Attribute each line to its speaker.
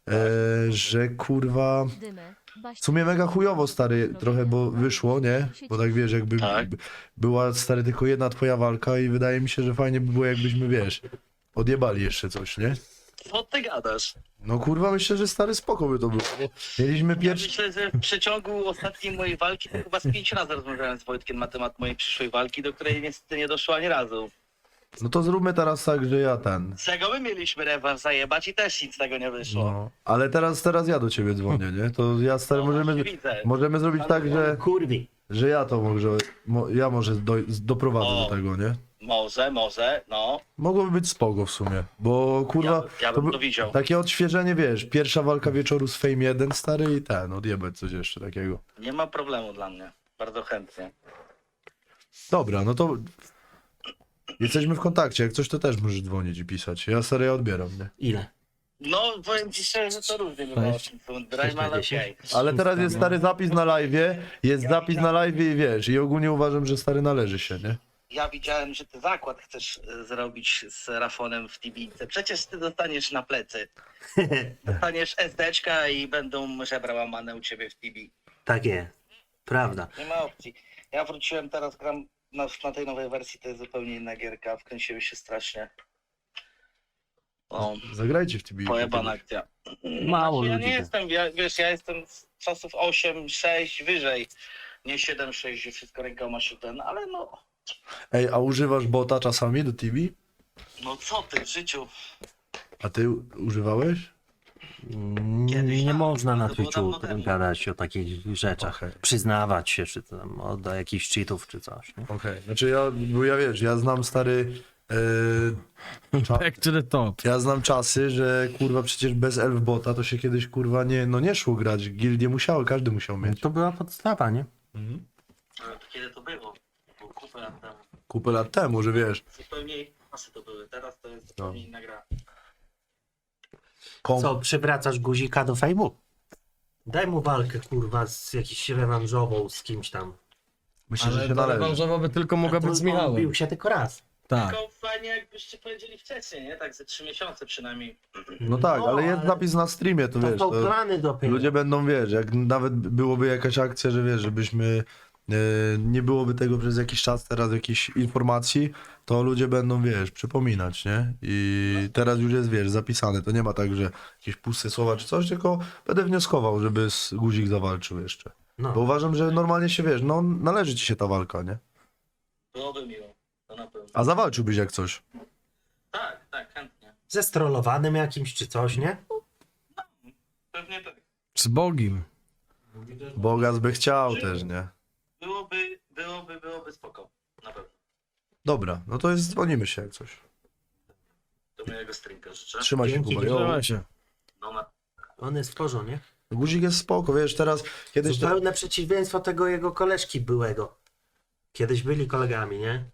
Speaker 1: że kurwa... W sumie mega chujowo, stary, trochę, bo wyszło, nie? Bo tak wiesz, jakby
Speaker 2: Tak.
Speaker 1: była, stary, tylko jedna twoja walka i wydaje mi się, że fajnie by było, jakbyśmy, wiesz, odjebali jeszcze coś, nie?
Speaker 2: Co ty gadasz?
Speaker 1: No kurwa, myślę, że stary spoko by to było. Mieliśmy
Speaker 2: Ja
Speaker 1: pierwszy...
Speaker 2: myślę, że w przeciągu ostatniej mojej walki to chyba z 5 razy rozmawiałem z Wojtkiem na temat mojej przyszłej walki, do której niestety nie doszło ani razu.
Speaker 1: No to zróbmy teraz tak, że ja ten...
Speaker 2: Z czego my mieliśmy rewanż zajebać i też nic z tego nie wyszło.
Speaker 1: No, ale teraz ja do ciebie dzwonię, nie? To ja, stary,
Speaker 2: No,
Speaker 1: możemy,
Speaker 2: właśnie widzę.
Speaker 1: możemy zrobić tak,
Speaker 3: Kurwi.
Speaker 1: że ja to może doprowadzę
Speaker 2: O.
Speaker 1: do tego, nie?
Speaker 2: Może, no.
Speaker 1: Mogłoby być spoko w sumie, bo kurwa...
Speaker 2: Ja bym
Speaker 1: by-
Speaker 2: to widział.
Speaker 1: Takie odświeżenie, wiesz, pierwsza walka wieczoru z Fame 1, stary, i ten, odjebać coś jeszcze takiego.
Speaker 2: Nie ma problemu dla mnie. Bardzo chętnie.
Speaker 1: Dobra, no to... Jesteśmy w kontakcie, jak coś to też możesz dzwonić i pisać. Ja serio odbieram, nie?
Speaker 3: Ile?
Speaker 2: No, powiem ci szczerze, że to różnie bywa. Drive, ale okej.
Speaker 1: Ale teraz jest stary zapis na live'ie, jest zapis na live'ie i wiesz, i ogólnie uważam, że stary należy się, nie?
Speaker 2: Ja widziałem, że ty zakład chcesz zrobić z Rafonem w Tibince. Przecież ty dostaniesz na plecy. Dostaniesz SD-czka i będą żebra łamane u ciebie w Tibi.
Speaker 3: Tak jest. Prawda.
Speaker 2: Nie ma opcji. Ja wróciłem teraz, gram na tej nowej wersji, to jest zupełnie inna gierka. Wkręciłem się strasznie. O,
Speaker 1: Zagrajcie w TB.
Speaker 2: pojebana akcja.
Speaker 3: Mało
Speaker 2: Znaczy, ja
Speaker 3: ludzi
Speaker 2: nie
Speaker 3: tak.
Speaker 2: jestem, ja jestem z czasów 8, 6 wyżej. Nie 7, 6, gdzie wszystko rękoma się ten, ale no.
Speaker 1: Ej, a używasz bota czasami do TB?
Speaker 2: No co ty w życiu?
Speaker 1: A ty używałeś?
Speaker 2: Kiedyś
Speaker 3: Nie
Speaker 2: tak,
Speaker 3: można na
Speaker 2: to było
Speaker 3: Twitchu
Speaker 2: dawno temu.
Speaker 3: gadać o takich rzeczach.
Speaker 1: Okej.
Speaker 3: Przyznawać się, czy tam do jakichś cheatów, czy coś. Nie?
Speaker 1: Okej, znaczy bo ja wiesz, ja znam stary...
Speaker 4: Back to the top.
Speaker 1: Ja znam czasy, że kurwa przecież bez elfbota to się kiedyś kurwa nie szło grać. Gildie musiały, każdy musiał mieć.
Speaker 3: To była podstawa, nie?
Speaker 2: Ale to kiedy to było? Było kupę lat temu.
Speaker 1: Kupę lat temu, że wiesz.
Speaker 2: Zupełnie inne czasy to były. Teraz to jest zupełnie inna gra.
Speaker 3: Co, przywracasz guzika do fejmu? Daj mu walkę, kurwa, z jakiś rewanżową z kimś tam.
Speaker 1: Myślę, że
Speaker 4: Ale
Speaker 1: się
Speaker 4: ta
Speaker 1: należy.
Speaker 4: rewanżowa by tylko mogła być z
Speaker 3: On
Speaker 4: Michałem.
Speaker 3: bił się tylko raz.
Speaker 4: Tak.
Speaker 2: Tylko fajnie jakbyście powiedzieli wcześniej, nie? Tak ze 3 miesiące przynajmniej.
Speaker 1: No tak,
Speaker 3: No,
Speaker 1: ale jest
Speaker 3: ale
Speaker 1: zapis na streamie, to
Speaker 3: To
Speaker 1: wiesz.
Speaker 3: są
Speaker 1: To
Speaker 3: plany dopiero.
Speaker 1: ludzie będą, wiesz, jak nawet byłoby jakaś akcja, że wiesz, żebyśmy nie byłoby tego przez jakiś czas, teraz jakichś informacji, to ludzie będą, wiesz, przypominać, nie? I teraz już jest, wiesz, zapisane. To nie ma tak, że jakieś puste słowa czy coś, tylko będę wnioskował, żeby Guzik zawalczył jeszcze.
Speaker 3: No.
Speaker 1: Bo uważam, że normalnie się, wiesz, no należy ci się ta walka, nie?
Speaker 2: Byłoby miło. To na pewno.
Speaker 1: A zawalczyłbyś jak coś.
Speaker 2: Tak, chętnie.
Speaker 3: Ze strollowanym jakimś, czy coś, nie?
Speaker 2: Pewnie tak.
Speaker 4: Z Bogiem.
Speaker 1: Bogas by chciał też, nie?
Speaker 2: Byłoby spoko. Na pewno.
Speaker 1: Dobra, no to jest, dzwonimy się jak coś.
Speaker 2: Do mojego streamka życzę.
Speaker 1: Trzymaj się,
Speaker 3: Dzięki,
Speaker 1: Kuba. Jo.
Speaker 4: Trzymaj się.
Speaker 2: No na...
Speaker 3: On jest w porządku, nie?
Speaker 1: Guzik jest spoko, wiesz, teraz kiedyś...
Speaker 3: Zupełne przeciwieństwo tego jego koleżki byłego. Kiedyś byli kolegami, nie?